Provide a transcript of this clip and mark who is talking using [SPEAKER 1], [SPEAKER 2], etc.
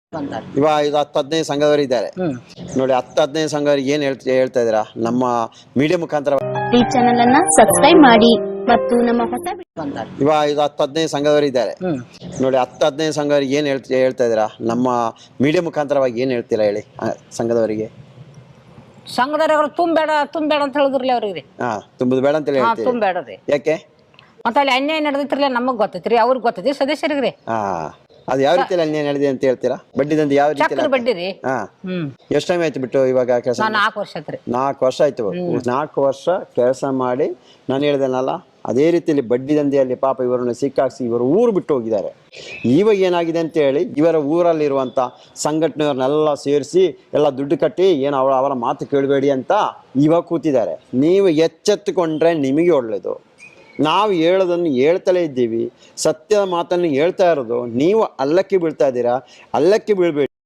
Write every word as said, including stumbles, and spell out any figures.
[SPEAKER 1] ಇವಾಗ ಇದು ಹತ್ತು ಹದಿನೈದು ಸಂಘದವರು ಇದ್ದಾರೆ ನೋಡಿ. ಹತ್ತು ಹದಿನೈದು ಸಂಘದವರಿಗೆ ಏನ್ ಹೇಳ್ತಾ ಹೇಳ್ತಾ ಇದ್ದೀರಾ ನಮ್ಮ ಮೀಡಿಯಾ ಮುಖಾಂತರ
[SPEAKER 2] ಈ ಚಾನೆಲ್ ಅನ್ನ ಸಬ್ಸ್ಕ್ರೈಬ್ ಮಾಡಿ ಮತ್ತು ನಮ್ಮ ಹೊಸ
[SPEAKER 1] ಇವಾಗ ಇದು ಹತ್ತು ಹದಿನೈದು ಸಂಘದವರು ಇದ್ದಾರೆ ನೋಡಿ. ಹತ್ತು ಹದಿನೈದು ಸಂಘದವರಿಗೆ ಏನ್ ಹೇಳ್ತಾ ಹೇಳ್ತಾ ಇದ್ದೀರಾ ನಮ್ಮ ಮೀಡಿಯಾ ಮುಖಾಂತರವಾಗಿ ಏನ್ ಹೇಳ್ತೀರಾ ಹೇಳಿ ಸಂಘದವರಿಗೆ.
[SPEAKER 3] ಸಂಘದವ್ರು ತುಂಬಬೇಡ ತುಂಬಬೇಡ ಅಂತ ಹೇಳಿದ್ರಲ್ಲ ಅವ್ರಿಗೆ.
[SPEAKER 1] ಹಾ ತುಂಬುದು ಬೇಡ ಅಂತ ಹೇಳಿ
[SPEAKER 3] ತುಂಬಬೇಡ್ರಿ.
[SPEAKER 1] ಯಾಕೆ
[SPEAKER 3] ಮತ್ತೆ ಅಲ್ಲಿ ಅನ್ಯಾಯ ನಡೆದಿತ್ರಲ್ಲ ನಮಗ್ ಗೊತ್ತೈತ್ರಿ, ಅವ್ರಿಗೆ ಗೊತ್ತೈತಿ ಸದಸ್ಯರಿಗ್ರಿ.
[SPEAKER 1] ಹಾ ಅದು ಯಾವ ರೀತಿಯಲ್ಲಿ ಅನ್ಯಾಯ ನಡೆದಿದೆ ಅಂತ ಹೇಳ್ತೀರಾ? ಬಡ್ಡಿ ದಂಧೆ ಯಾವ ರೀತಿ?
[SPEAKER 3] ಬಡ್ಡಿ ರೀ.
[SPEAKER 1] ಹಾ ಎಷ್ಟು ಟೈಮ್ ಆಯ್ತು ಬಿಟ್ಟು ಇವಾಗ ಕೆಲಸ?
[SPEAKER 3] ನಾಲ್ಕು ವರ್ಷ ಆಯ್ತು.
[SPEAKER 1] ನಾಲ್ಕು ವರ್ಷ ಆಯ್ತು. ನಾಲ್ಕು ವರ್ಷ ಕೆಲಸ ಮಾಡಿ ನಾನು ಹೇಳ್ದೇನಲ್ಲ ಅದೇ ರೀತಿಯಲ್ಲಿ ಬಡ್ಡಿ ದಂಧೆಯಲ್ಲಿ ಪಾಪ ಇವರನ್ನು ಸಿಕ್ಕಾಕ್ಸಿ ಇವರು ಊರು ಬಿಟ್ಟು ಹೋಗಿದ್ದಾರೆ. ಇವಾಗ ಏನಾಗಿದೆ ಅಂತ ಹೇಳಿ ಇವರ ಊರಲ್ಲಿರುವಂಥ ಸಂಘಟನೆಯವ್ರನ್ನೆಲ್ಲ ಸೇರಿಸಿ ಎಲ್ಲ ದುಡ್ಡು ಕಟ್ಟಿ ಏನು ಅವರ ಅವರ ಮಾತು ಕೇಳಬೇಡಿ ಅಂತ ಇವಾಗ ಕೂತಿದ್ದಾರೆ. ನೀವು ಎಚ್ಚೆತ್ತುಕೊಂಡ್ರೆ ನಿಮಗೆ ಒಳ್ಳೆಯದು. ನಾವು ಹೇಳೋದನ್ನು ಹೇಳ್ತಲೇ ಇದ್ದೀವಿ, ಸತ್ಯದ ಮಾತನ್ನು ಹೇಳ್ತಾ ಇರೋದು. ನೀವು ಅಲ್ಲಕ್ಕೆ ಬೀಳ್ತಾ ಇದ್ದೀರಾ, ಅಲ್ಲಕ್ಕೆ ಬೀಳ್ಬೇಡಿ.